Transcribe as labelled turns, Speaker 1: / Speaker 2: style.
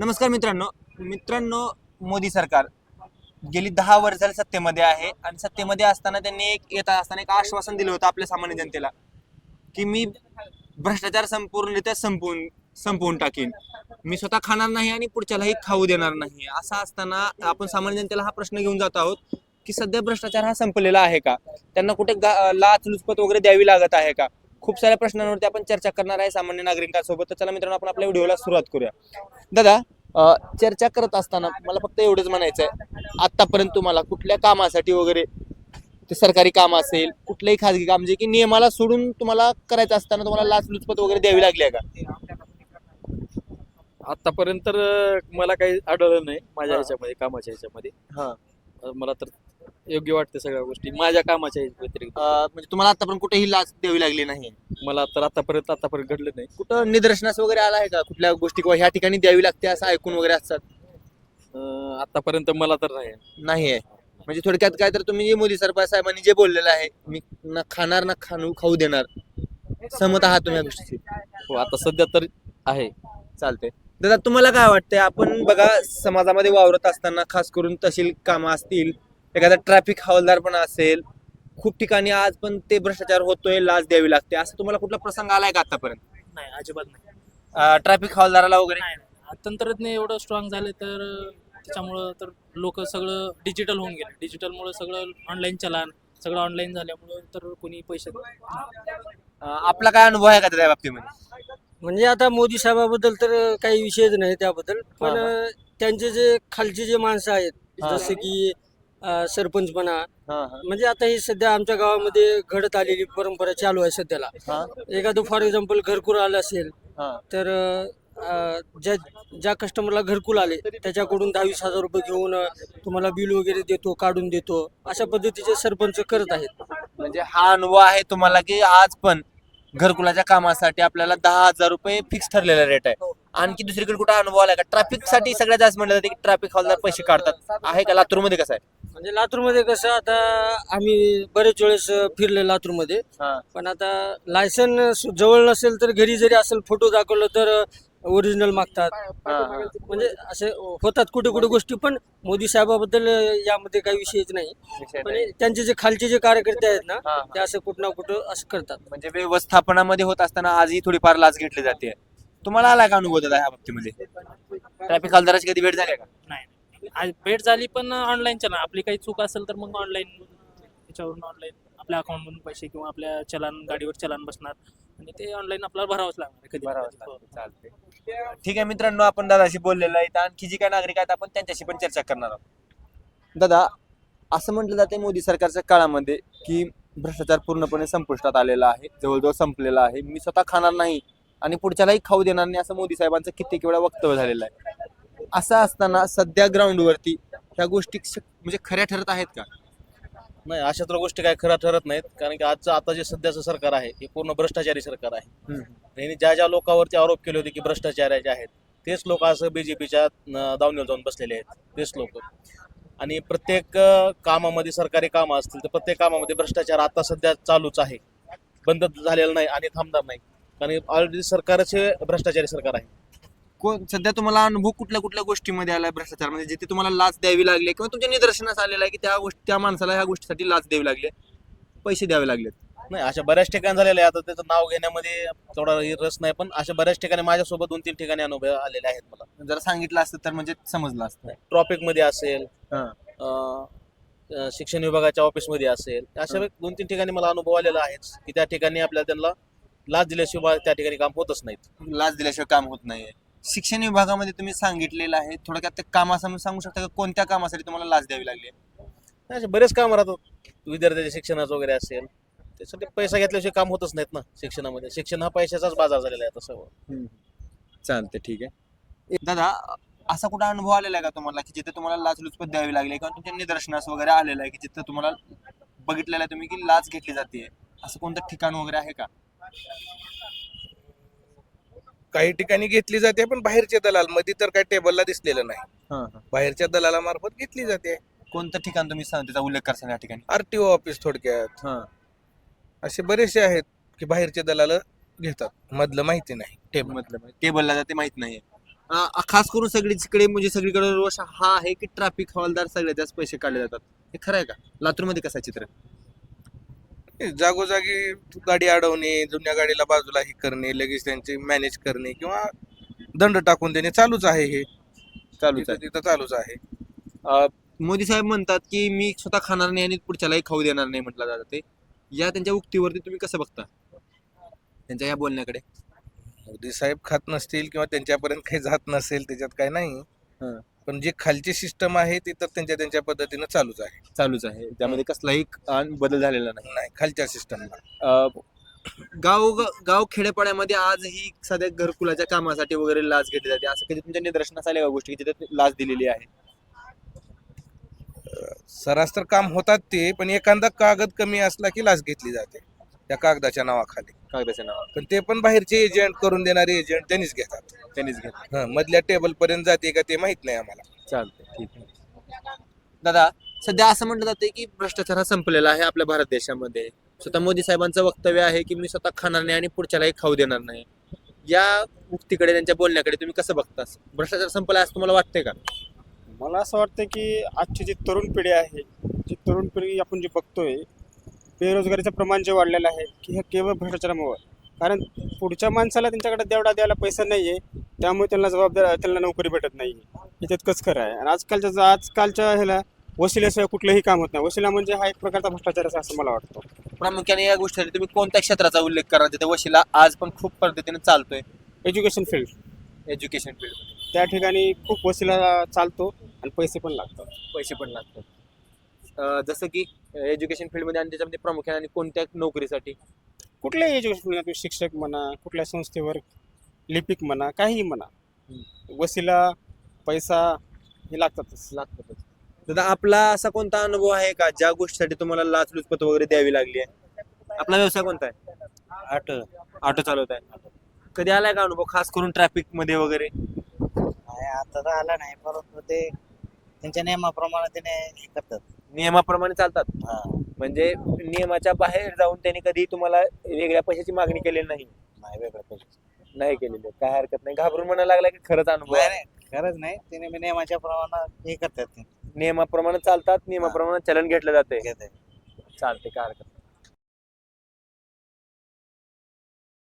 Speaker 1: नमस्कार मित्रांनो मित्रांनो मोदी सरकार गेली 10 वर्ष झाली सत्तेमध्ये आहे आणि सत्तेमध्ये असताना त्यांनी येत असताना एक आश्वासन दिलं होतं आपल्या सामान्य जनतेला की मी भ्रष्टाचार संपूर्णरित्या संपवून टाकीन. मी स्वतः खाणार नाही आणि पुढच्यालाही खाऊ देणार नाही. असं असताना आपण सामान्य जनतेला हा प्रश्न घेऊन जात आहोत की सध्या भ्रष्टाचार हा संपलेला आहे का? त्यांना कुठे लाचलुचपत वगैरे द्यावी लागत आहे का? खूप साऱ्या प्रश्नांवरती आपण चर्चा करणार आहे सामान्य नागरिकांसोबत. तर चला मित्रांनो, आपण आपल्या व्हिडिओला सुरुवात करूया. दादा, चर्चा करत असताना मला फक्त एवढंच म्हणायचं आहे, आतापर्यंत तुम्हाला कुठल्या कामासाठी वगैरे, ते सरकारी काम असेल कुठलंही खाजगी काम जे की नियमाला सोडून तुम्हाला करायचं असताना तुम्हाला लाचलुचपत वगैरे द्यावी लागली आहे का?
Speaker 2: आतापर्यंत तर मला काही आढळलं नाही माझ्या
Speaker 1: हा.
Speaker 2: ह्याच्यामध्ये, कामाच्या ह्याच्यामध्ये.
Speaker 1: हा.
Speaker 2: मला तर योग्य वाटते सगळ्या गोष्टी माझ्या कामाच्या व्यतिरिक्त.
Speaker 1: म्हणजे तुम्हाला आतापर्यंत कुठेही लाच द्यावी लागली नाही?
Speaker 2: मला तर आतापर्यंत घडलं नाही.
Speaker 1: कुठं निदर्शनास वगैरे आला आहे का कुठल्या गोष्टी किंवा ह्या ठिकाणी द्यावी लागते असं ऐकून वगैरे असतात?
Speaker 2: आतापर्यंत मला तर नाही.
Speaker 1: नाही आहे. म्हणजे थोडक्यात काय, तर तुम्ही जे मोदी सरकार साहेबांनी जे बोललेलं आहे, मी ना खाणार ना खाऊ देणार, सहमत आहात तुम्ही या गोष्टीशी?
Speaker 2: हो, आता सध्या तर आहे.
Speaker 1: चालते. दादा, तुम्हाला काय वाटतंय? आपण बघा, समाजामध्ये वावरत असताना खास करून तहसील कामं असतील, एखादा ट्रॅफिक हवालदारपणा असेल, खूप ठिकाणी आज पण ते भ्रष्टाचार होतोय, लाच द्यावी लागते. असं तुम्हाला कुठला प्रसंग आलाय का आतापर्यंत?
Speaker 3: नाही, अजिबात नाही.
Speaker 1: ट्रॅफिक हवालदाराला वगैरे?
Speaker 3: नाही, नाही. तंत्रज्ञ एवढं स्ट्रॉंग झाले तर त्याच्यामुळं तर लोक सगळं डिजिटल होऊन गेले. डिजिटलमुळे सगळं ऑनलाईन चलान, सगळं ऑनलाईन झाल्यामुळं तर कोणी पैसे
Speaker 1: आपला काय अनुभव आहे का त्या बाबतीमध्ये?
Speaker 4: म्हणजे आता मोदी साहेबाबद्दल तर काही विषयच नाही त्याबद्दल, पण त्यांचे जे खालचे जे माणसं आहेत,
Speaker 1: हा.
Speaker 4: जसं की सरपंच म्हणा,
Speaker 1: हा, हा,
Speaker 4: म्हणजे आता ही सध्या आमच्या गावामध्ये घडत आलेली परंपरा चालू आहे सध्याला.
Speaker 1: हा,
Speaker 4: एखादं फॉर एक्झाम्पल घरकुल आलं असेल
Speaker 1: हा.
Speaker 4: तर ज्या ज्या कस्टमरला घरकुल आले त्याच्याकडून 10-20 हजार रुपये घेऊन तुम्हाला बिल वगैरे देतो, काढून देतो, अशा पद्धतीचे सरपंच करत आहेत.
Speaker 1: म्हणजे हा अनुभव आहे तुम्हाला की आज पण घरकुलाच्या कामासाठी आपल्याला 10,000 रुपये फिक्स ठरलेला रेट आहे? आणखी दुसरीकडे कुठे अनुभव आलाय का? ट्रॅफिक साठी सगळ्यात जास्त म्हणलं जाते की ट्रॅफिक हवालदार पैसे काढतात, आहे का? लातूरमध्ये कसं आहे?
Speaker 4: म्हणजे लातूरमध्ये कसं, आता आम्ही बरेच वेळेस फिरले लातूरमध्ये,
Speaker 1: हा.
Speaker 4: पण आता लायसन जवळ नसेल तर घरी जरी असेल फोटो दाखवलं तर ओरिजिनल मागतात.
Speaker 1: हा, हा.
Speaker 4: म्हणजे असे होतात कुठे कुठे गोष्टी, पण मोदी साहेबाबद्दल यामध्ये काही विषयच नाही.
Speaker 1: विषय
Speaker 4: पण
Speaker 1: नाही.
Speaker 4: त्यांचे जे खालचे जे कार्यकर्ते आहेत ना,
Speaker 1: हा,
Speaker 4: ते असं कुठं ना कुठं असं करतात.
Speaker 1: म्हणजे व्यवस्थापनामध्ये होत असताना आजही थोडीफार लाच घेतली जाते. तुम्हाला आला का अनुभव दादा ह्या बाबतीमध्ये? ट्रॅफिक हवालदाराची कधी भेट झाली का?
Speaker 3: नाही. आज भेट झाली पण ऑनलाईन चलान, आपली काही चूक असेल तर मग ऑनलाईन त्याच्यावरून ऑनलाईन आपल्या अकाउंटमधून पैसे किंवा आपल्या चलान, गाडीवर चलान बसणार आणि ते ऑनलाईन आपल्याला भरावंच लागणार कधी ना कधी. हो.
Speaker 1: चालते. ठीक आहे मित्रांनो, आपण दादाशी बोललेलो आहे. आणखी जी काही नागरिक आहेत आपण त्यांच्याशी पण चर्चा करणार आहोत. दादा, असं म्हटलं जाते मोदी सरकारच्या काळामध्ये की भ्रष्टाचार पूर्णपणे संपुष्टात आलेला आहे, जवळजवळ संपलेला आहे. मी स्वतः खाणार नाही आणि पुढच्यालाही खाऊ देणार नाही, असं मोदी साहेबांचं कित्येक वेळा वक्तव्य झालेलं आहे. असं असताना सध्या ग्राउंडवरती ह्या गोष्टी म्हणजे खऱ्या ठरत आहेत का?
Speaker 2: नाही, अशा तर गोष्टी काय खरं ठरत नाहीत, कारण की आता जे सध्याचं सरकार आहे हे पूर्ण भ्रष्टाचारी सरकार आहे. त्यांनी ज्या लोकांवरती आरोप केले होते की भ्रष्टाचाराचे आहेत, तेच लोक असं बीजेपीच्या दावणीवर जाऊन बसलेले आहेत, तेच लोक. आणि प्रत्येक कामामध्ये, सरकारी कामं असतील तर प्रत्येक कामामध्ये भ्रष्टाचार आता सध्या चालूच आहे, बंद झालेला नाही आणि थांबणार नाही, कारण ऑलरेडी सरकारच हे भ्रष्टाचारी सरकार आहे.
Speaker 1: सध्या तुम्हाला अनुभव कुठल्या कुठल्या गोष्टीमध्ये आलाय भ्रष्टाचार, म्हणजे जिथे तुम्हाला लाच द्यावी लागली किंवा तुमच्या निदर्शनास आलेलं आहे की त्या माणसाला ह्या गोष्टीसाठी लाच द्यावी लागली, पैसे द्यावे लागले?
Speaker 2: नाही, अशा बऱ्याच ठिकाणी झालेलं आहे. आता त्याचं नाव घेण्यामध्ये थोडा रस नाही, पण अशा बऱ्याच ठिकाणी माझ्यासोबत 2-3 ठिकाणी अनुभव आलेले आहेत मला.
Speaker 1: जर सांगितलं असतं तर म्हणजे समजलं असतं.
Speaker 2: ट्रॉफिक मध्ये असेल,
Speaker 1: हा.
Speaker 2: शिक्षण विभागाच्या ऑफिसमध्ये असेल, अशा 2-3 ठिकाणी मला अनुभव आलेला आहेच की त्या ठिकाणी आपल्याला त्यांना लाच दिल्याशिवाय त्या ठिकाणी काम होतच नाहीत.
Speaker 1: लाच दिल्याशिवाय काम होत नाहीये. शिक्षण विभागामध्ये तुम्ही सांगितलेलं आहे, थोडक्यात ते कामासमोर सांगू शकता का, कोणत्या कामासाठी तुम्हाला लाच द्यावी लागली?
Speaker 2: असे बरेच काम राहतात, विद्यार्थ्याच्या शिक्षणाचं वगैरे असेल, त्यासाठी पैसा घेतल्याशिवाय काम होतच नाहीत ना शिक्षणामध्ये. शिक्षण हा पैशाचाच बाजार झालेला आहे आता सर्व.
Speaker 1: चालते, ठीक आहे. दादा, असा कुठं अनुभव आलेला आहे का तुम्हाला की जिथे तुम्हाला लाचलुचपत द्यावी लागली किंवा तुमच्या निदर्शनास वगैरे आलेलं आहे की जिथे तुम्हाला बघितलेलं आहे तुम्ही की लाच घेतली जाते, असं कोणतं ठिकाण वगैरे आहे का?
Speaker 5: काही ठिकाणी घेतली जाते, पण बाहेरच्या दलाल मध्ये तर काही टेबलला दिसलेलं नाही. बाहेरच्या दलाला मार्फत घेतली जाते.
Speaker 1: कोणतं ठिकाण तुम्ही त्याचा उल्लेख करता या ठिकाणी?
Speaker 5: आरटीओ ऑफिस थोडक्यात. असे बरेचसे आहेत की बाहेरचे दलाल घेतात, मधलं माहिती नाही.
Speaker 1: टेबलला जाते माहित नाहीये. खास करून सगळीकडे म्हणजे सगळीकडे रोष हा आहे की ट्रॅफिक हवालदार सगळ्यात जास्त पैसे काढले जातात. हे खरं आहे का? लातूरमध्ये कसं आहे चित्र?
Speaker 5: जागोजागी गाडी अडवणे, जुन्या गाडीला बाजूला हे करणे, लगेच त्यांचे मॅनेज करणे किंवा दंड टाकून देणे चालूच आहे. हे
Speaker 1: चालूच आहे.
Speaker 5: तिथं चालूच आहे.
Speaker 1: मोदी साहेब म्हणतात की मी स्वतः खाणार नाही आणि पुढच्यालाही खाऊ देणार नाही म्हटलं जातं ते. या त्यांच्या उक्तीवरती तुम्ही कसं बघता त्यांच्या या बोलण्याकडे?
Speaker 5: मोदी साहेब खात नसतील किंवा त्यांच्यापर्यंत काही जात नसेल त्याच्यात काही नाही.
Speaker 1: हं.
Speaker 5: पण जे खालची सिस्टम आहे ती तर त्यांच्या पद्धतीनं चालूच आहे.
Speaker 1: चालूच आहे, त्यामध्ये कसलाही बदल झालेला नाही.
Speaker 5: नाही, खालच्या सिस्टमला
Speaker 1: गाव खेड्यापाड्यामध्ये आजही सध्या घरकुलाच्या कामासाठी वगैरे लाच घेतली जाते. असं कधी तुमच्या निदर्शनास आल्या का गोष्टी की जिथे लाच दिलेली आहे?
Speaker 5: सरास तर काम होतात ते, पण एखादा कागद कमी असला की लाच घेतली जाते त्या कागदाच्या नावाखाली.
Speaker 1: कागदाच्या नावावर
Speaker 5: पण ते पण बाहेरचे एजंट, करून देणारे एजंट त्यांनीच घेतात.
Speaker 1: त्यांनीच घेतलं.
Speaker 5: मधल्या टेबल पर्यंत जाते का ते माहित नाही आम्हाला.
Speaker 1: चालतंय, ठीक आहे. दादा, सध्या असं म्हटलं जाते की भ्रष्टाचार हा संपलेला आहे आपल्या भारत देशामध्ये. स्वतः मोदी साहेबांचं वक्तव्य आहे की मी स्वतः खाणार नाही आणि पुढच्यालाही खाऊ देणार नाही. या उक्तीकडे, त्यांच्या बोलण्याकडे तुम्ही कसं बघता? भ्रष्टाचार संपला असं तुम्हाला वाटतंय का?
Speaker 6: मला असं वाटतं की आजची जी तरुण पिढी आहे, जी तरुण पिढी आपण जी बघतोय, बेरोजगारीचं प्रमाण जे वाढलेलं आहे की हे केवळ भ्रष्टाचारामुळे. कारण पुढच्या माणसाला त्यांच्याकडे तेवढा द्यायला पैसा नाही आहे, त्यामुळे त्यांना नोकरी भेटत नाही आहे. हे तितकंच खरं आहे. आणि आजकालच्या ह्याला वशिल्याशिवाय कुठलंही काम होत नाही. वशिला म्हणजे हा एक प्रकारचा भ्रष्टाचार आहे असं मला वाटतं.
Speaker 1: प्रामुख्याने या गोष्टीसाठी तुम्ही कोणत्या क्षेत्राचा उल्लेख करा जिथे वशिला आज पण खूप पद्धतीने चालतोय?
Speaker 6: एज्युकेशन फील्ड,
Speaker 1: एज्युकेशन फील्ड,
Speaker 6: त्या ठिकाणी खूप वशिला चालतो आणि पैसे पण लागतात.
Speaker 1: पैसे पण लागतात. जसं की एज्युकेशन फील्डमध्ये आणि त्याच्यामध्ये प्रामुख्याने आणि कोणत्या नोकरीसाठी?
Speaker 6: कुठल्याही एज्युकेशन फील्ड, तुम्ही शिक्षक म्हणा, कुठल्या संस्थेवर लिपिक म्हणा, काहीही म्हणा, वशिला पैसा हे लागतातच.
Speaker 1: दादा, आपला असा कोणता अनुभव आहे का ज्या गोष्टीसाठी तुम्हाला लाचलुचपत वगैरे द्यावी लागली आहे? आपला व्यवसाय कोणता आहे? ऑटो चालवत आहे. कधी आलाय का अनुभव, खास करून ट्रॅफिक मध्ये वगैरे?
Speaker 7: नाही, आता तर आला नाही, परंतु ते त्यांच्या नियमाप्रमाणे त्याने हे करतात.
Speaker 1: नियमाप्रमाणे चालतात.
Speaker 7: हा.
Speaker 1: म्हणजे नियमाच्या बाहेर जाऊन त्यांनी कधी तुम्हाला वेगळ्या पैशाची मागणी केलेली नाही?
Speaker 7: नाही, वेगळं पैसे
Speaker 1: नाही केलेली. काय हरकत नाही. घाबरून म्हणायला लागला की खरंच अनुभव आहे?
Speaker 7: नाही, खरंच नाही, त्याने नियमाच्या प्रमाणात हे करतात ते
Speaker 1: नियमाप्रमाणे चालतात, नियमाप्रमाणे चलन घेतलं जाते.
Speaker 7: घेतात.
Speaker 1: चालते, काय हरकत नाही.